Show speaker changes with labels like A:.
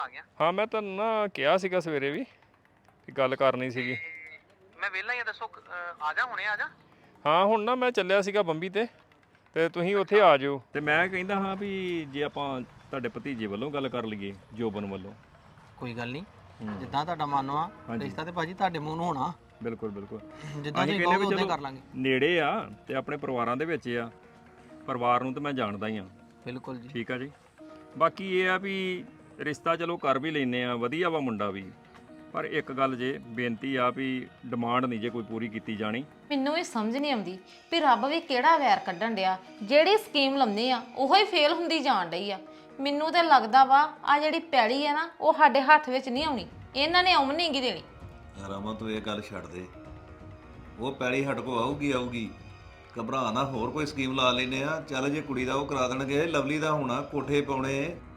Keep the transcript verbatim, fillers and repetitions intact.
A: ਆ ਗਿਆ।
B: ਹਾਂ ਮੈਂ ਤੁਹਾਨੂੰ ਨਾ ਕਿਹਾ ਸੀਗਾ ਸਵੇਰੇ ਵੀ ਕਿ ਗੱਲ ਕਰਨੀ ਸੀਗੀ।
A: ਮੈਂ ਵਿਹਲਾ ਹੀ ਆ, ਦੱਸੋ ਅਹ, ਆ ਜਾ ਹੁਣੇ ਆ ਜਾ।
B: ਹਾਂ ਹੁਣ ਨਾ ਮੈਂ ਚੱਲਿਆ ਸੀਗਾ ਬੰਬੀ ਤੇ ਤੇ ਤੁਸੀਂ ਉੱਥੇ ਆ ਜਾਓ। ਤੇ ਮੈਂ ਕਹਿੰਦਾ ਹਾਂ ਵੀ ਜੇ ਆਪਾਂ ਤੁਹਾਡੇ ਭਤੀਜੇ ਵੱਲੋਂ ਗੱਲ ਕਰ ਲਈਏ, ਜੋਬਨ ਵੱਲੋਂ।
A: ਕੋਈ ਗੱਲ ਨਹੀਂ, ਜਿੱਦਾਂ ਤੁਹਾਡਾ ਮਨ ਆ ਰਿਸ਼ਤਾ ਤੇ ਭਾਜੀ ਤੁਹਾਡੇ ਮੂੰਹ ਨੂੰ ਹੋਣਾ।
B: ਬਿਲਕੁਲ ਬਿਲਕੁਲ
A: ਜਿੱਦਾਂ
B: ਅਸੀਂ
A: ਤੁਸੀਂ
B: ਕਹਿੰਦੇ
A: ਕਹੋਗੇ
B: ਵੀ
A: ਉਦਾਂ
B: ਚਲੋ
A: ਕਰ ਲਾਂਗੇ।
B: ਨੇੜੇ ਆ ਤੇ ਆਪਣੇ ਪਰਿਵਾਰਾਂ ਦੇ ਵਿੱਚ ਆ, ਪਰਿਵਾਰ ਨੂੰ ਤਾਂ ਮੈਂ ਜਾਣਦਾ ਹੀ ਆ।
A: ਬਿਲਕੁਲ ਜੀ।
B: ਠੀਕ ਆ ਜੀ। ਬਾਕੀ ਇਹ ਆ ਵੀ ਰਿਸ਼ਤਾ ਚਲੋ ਕਰ ਵੀ ਲੈਨੇ ਆ, ਵਧੀਆ ਵਾ ਮੁੰਡਾ ਵੀ, ਪਰ ਇੱਕ ਗੱਲ ਜੇ ਬੇਨਤੀ ਆ ਵੀ ਡਿਮਾਂਡ ਨਹੀਂ ਜੇ ਕੋਈ ਪੂਰੀ ਕੀਤੀ ਜਾਣੀ।
C: ਮੈਨੂੰ ਇਹ ਸਮਝ ਨਹੀਂ ਆਉਂਦੀ ਵੀ ਰੱਬ ਵੀ ਕਿਹੜਾ ਵੈਰ ਕੱਢਣ ਡਿਆ, ਜਿਹੜੀ ਸਕੀਮ ਲਾਉਂਦੇ ਆ ਉਹੋ ਹੀ ਫੇਲ ਹੁੰਦੀ ਜਾਣ ਡਈ ਆ। ਮੈਨੂੰ ਤੇ ਲੱਗਦਾ ਵਾ ਆ ਜਿਹੜੀ ਪੈੜੀ ਆ ਨਾ ਉਹ ਸਾਡੇ ਹੱਥ ਵਿੱਚ ਨਹੀਂ ਆਉਣੀ, ਇਹਨਾਂ ਨੇ ਆਉਣ ਨਹੀਂ ਗੀ ਦੇਣੀ।
D: ਰਾਮਾ ਤੂੰ ਇਹ ਗੱਲ ਛੱਡ ਦੇ, ਉਹ ਪੈਲੀ ਹੱਡ ਕੋ ਆਊਗੀ ਆਊਗੀ, ਘਬਰਾ ਨਾ, ਹੋਰ ਕੋਈ ਸਕੀਮ ਲਾ ਲੈਨੇ ਆ। ਚੱਲ ਜੇ ਕੁੜੀ ਦਾ ਉਹ ਕਰਾ ਦੇਣਗੇ, ਲਵਲੀ ਦਾ ਹੋਣਾ, ਕੋਠੇ ਪਾਉਣੇ।